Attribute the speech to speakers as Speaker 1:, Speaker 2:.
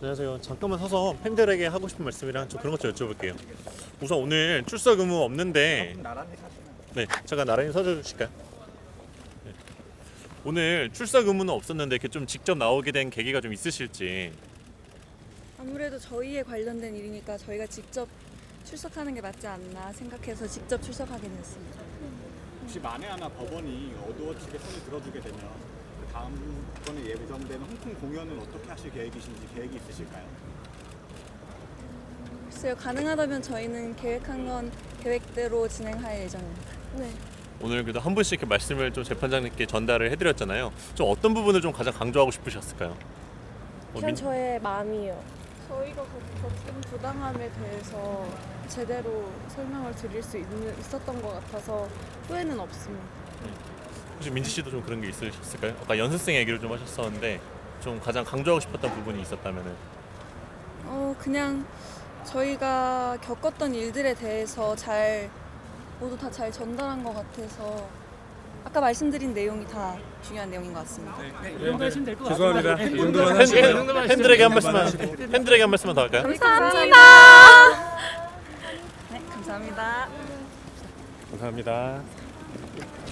Speaker 1: 안녕하세요. 잠깐만 서서 팬들에게 하고 싶은 말씀이랑 좀 그런 것 좀 여쭤볼게요. 우선 오늘 출석 의무 없는데, 네, 잠깐 나란히 서줘 주실까요? 네. 오늘 출석 의무는 없었는데 이렇게 좀 직접 나오게 된 계기가 좀 있으실지.
Speaker 2: 아무래도 저희에 관련된 일이니까 저희가 직접 출석하는 게 맞지 않나 생각해서 직접 출석하게 되었습니다.
Speaker 3: 혹시 만에 하나 법원이 어두워지게 손을 들어주게 되면 그 다음번에 예정되는 홍콩 공연은 어떻게 하실 계획이신지 계획이 있으실까요?
Speaker 2: 글쎄요, 가능하다면 저희는 계획한 건 계획대로 진행할 예정입니다. 네.
Speaker 1: 오늘 그래도 한 분씩 이렇게 말씀을 좀 재판장님께 전달을 해드렸잖아요. 좀 어떤 부분을 좀 가장 강조하고 싶으셨을까요?
Speaker 4: 그냥 저의 마음이요.
Speaker 2: 저희가 겪은 부당함에 대해서 제대로 설명을 드릴 수 있었던 것 같아서 후회는 없습니다.
Speaker 1: 혹시 민지 씨도 좀 그런 게 있으셨을까요? 아까 연습생 얘기를 좀 하셨었는데 좀 가장 강조하고 싶었던 부분이 있었다면은.
Speaker 2: 그냥 저희가 겪었던 일들에 대해서 모두 다 잘 전달한 것 같아서 아까 말씀드린 내용이 다 중요한 내용인 것 같습니다.
Speaker 5: 이 정도 하시면 될 것 같습니다.
Speaker 6: 죄송합니다. 이 정도만 하시면
Speaker 1: 팬들에게 한 말씀만 더 할까요?
Speaker 2: 감사합니다. 네, 감사합니다.
Speaker 1: 감사합니다.